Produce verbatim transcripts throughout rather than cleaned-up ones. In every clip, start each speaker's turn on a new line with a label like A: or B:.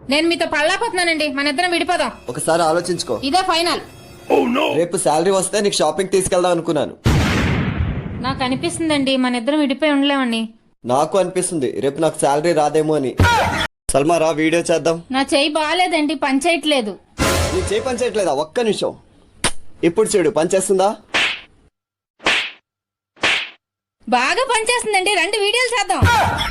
A: నేను మీతో పళ్ళాపోతున్నానండి, మన ఇద్దరం విడిపోదాం.
B: ఒకసారి ఆలోచించుకో.
A: ఇదే ఫైనల్.
B: రేపు శాలరీ వస్తే నీకు షాపింగ్ తీసుకెళ్దాం అనుకున్నాను.
A: నాకు అనిపిస్తుందండి మన ఇద్దరం విడిపోయి ఉండలేమండి.
B: నాకు అనిపిస్తుంది రేపు నాకు శాలరీ రాదేమో అని. సల్మా రా వీడియో చేద్దాం.
A: నా చెయ్యి బాగాలేదండి, పని చేయట్లేదు.
B: నీ చేయి పని చేయట్లేదా? ఒక్క నిమిషం. ఇప్పుడు చూడు పని చేస్తుందా?
A: బాగా పనిచేస్తుందండి, రెండు వీడియోలు చేద్దాం.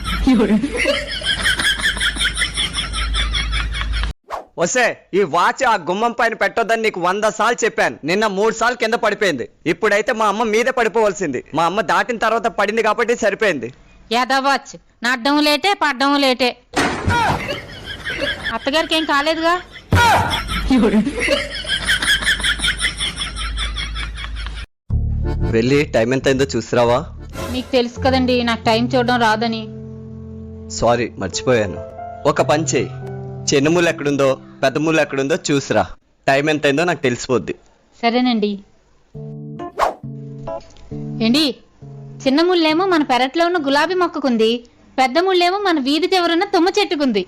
C: వస్తే ఈ వాచ్ ఆ గుమ్మం పైన పెట్టొద్దని నీకు వంద సార్లు చెప్పాను. నిన్న మూడు సార్లు కింద పడిపోయింది. ఇప్పుడైతే మా అమ్మ మీదే పడిపోవలసింది. మా అమ్మ దాటిన తర్వాత పడింది కాబట్టి సరిపోయింది.
A: యాదవాచ్ నడ్డం లేటే పడ్డం లేటే. అత్తగారికి ఏం కాలేదుగా?
C: వెళ్ళి టైం ఎంత అయిందో చూసిరావా?
A: మీకు తెలుసు కదండి నాకు టైం చూడడం రాదని.
C: సారీ మర్చిపోయాను. ఒక పని చేయి, చిన్న మూలు ఎక్కడుందో పెద్ద మూలు ఎక్కడుందో చూసిరా. టైం ఎంత అయిందో నాకు తెలిసిపోద్ది.
A: సరేనండి. ఏండి, చిన్న ముళ్ళేమో మన పెరట్లో ఉన్న గులాబీ మొక్కకుంది, పెద్ద ముళ్ళేమో మన వీధి చివరున్న తుమ్మ చెట్టుకుంది.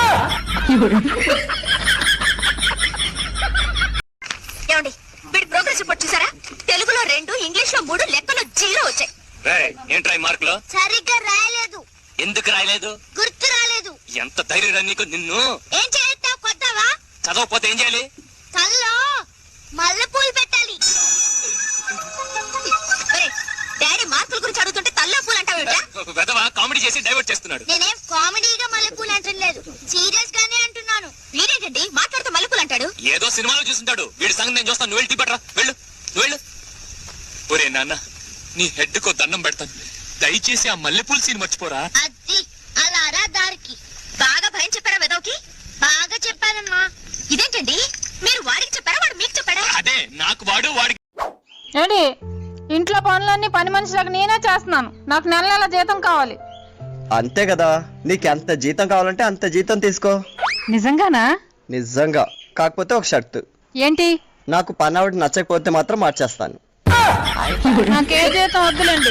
D: ఏమండి వీడి ప్రోగ్రెస్ రిపోర్ట్ చూసారా? తెలుగులో రెండు, ఇంగ్లీష్ లో మూడు, లెక్కలో జీరో వచ్చాయి.
E: ఏంట్రా మార్కులు?
D: సరిగ్గా రాయలేదు.
E: ఎందుకు రాయలేదు?
D: గుర్తు రాలేదు.
E: ఎంత ధైర్యం నీకు? నిన్ను
D: ఏం చేస్తావు? కొత్తవా?
E: చదవకపోతే ఏం చేయాలి?
D: తల్లో మల్లెపూలు పెట్టాలి. ఒరేయ్, డాడీ మార్కుల గురించి అడుగుతుంటే తల్లో పూలు అంటావేంటా?
E: వెదవా కామెడీ చేసి డైవర్ట్ చేస్తున్నాడు.
D: నేనేం కామెడీగా మల్లెపూలు అంటలేదు, సీరియస్ గానే అంటున్నాను. వీడేంటండి మాట్లాడుతూ మల్లెపూలు అంటాడు?
E: ఏదో సినిమాలో చూస్తుంటాడు. వీడి సంగతి నేను చూస్తాను. నువ్వు వెళ్ళి టీ పట్టరా. వెళ్ళు నువ్వు వెళ్ళు. ఒరే నాన్న, నీ హెడ్ కో దండం పెడతాను. దయచేసి ఆ మల్లెపూల సీన్ మర్చిపోరా.
D: అది అలా రా దారికి. బాగా భయం చెప్పారా వెదవుకి? బాగా చెప్పానమ్మా. ఇదేంటండి మీరు వాడికి చెప్పారా, వాడు మీకు చెప్పాడా?
E: అదే నాకు వాడు వాడికి.
A: ఏంటి, ఇంట్లో పనులన్నీ పని మనిషిలాగా నేనే చేస్తున్నాను. నాకు నెల నెల జీతం కావాలి.
C: అంతే కదా, నీకు ఎంత జీతం కావాలంటే అంత జీతం తీసుకో.
A: నిజంగానా?
C: నిజంగా. కాకపోతే ఒక షర్తు.
A: ఏంటి?
C: నాకు పని ఆవిడ నచ్చకపోతే మాత్రం మార్చేస్తాను.
A: నాకే జీతం వద్దులేండి.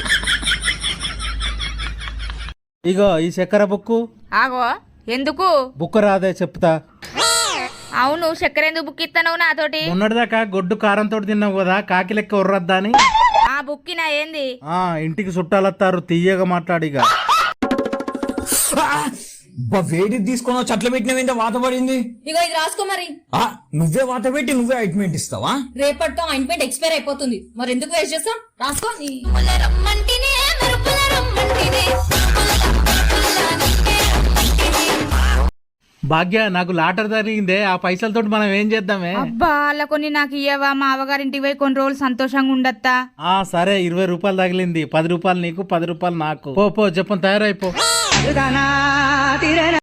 F: ఇగో ఈ చక్కెర బుక్కు.
G: ఆగో, ఎందుకు?
F: బుక్ రాదే చెప్తా.
G: అవును, చక్కెర ఎందుకు బుక్ ఇస్తాను నాతోటి?
F: మొన్నటిదాకా గొడ్డు కారంతో తిన్నావు కదా, కాకి లెక్క ఉర్రద్దా అని.
G: ఆ బుక్కినా ఏంది?
F: ఆ ఇంటికి చుట్టాలత్తారు, తీయగా మాట్లాడిగా.
H: వేడి తీసుకొని చెట్ల పెట్టినవేంటే వాత పడింది.
I: ఇగో ఇది రాసుకో మరి.
H: నువ్వే వాత పెట్టి నువ్వే అయింట్మెంట్ ఇస్తావా?
I: రేపటితో అయింట్మెంట్ ఎక్స్పైర్ అయిపోతుంది, మరి ఎందుకు వేస్ట్ చేస్తాం? రాసుకో.
F: భాగ్య, నాకు లాటర్ జరిగిందే, ఆ పైసలతో మనం ఏం చేద్దామే?
G: అబ్బా అలా కొన్ని నాకు ఇయ్యవా? మా అవగారింటికి పోయి కొన్ని రోజులు సంతోషంగా ఉండత్తా.
F: ఆ సరే, ఇరవై రూపాయలు తగిలింది. పది రూపాయలు నీకు, పది రూపాయలు నాకు. పో పో చెప్పని తయారైపో.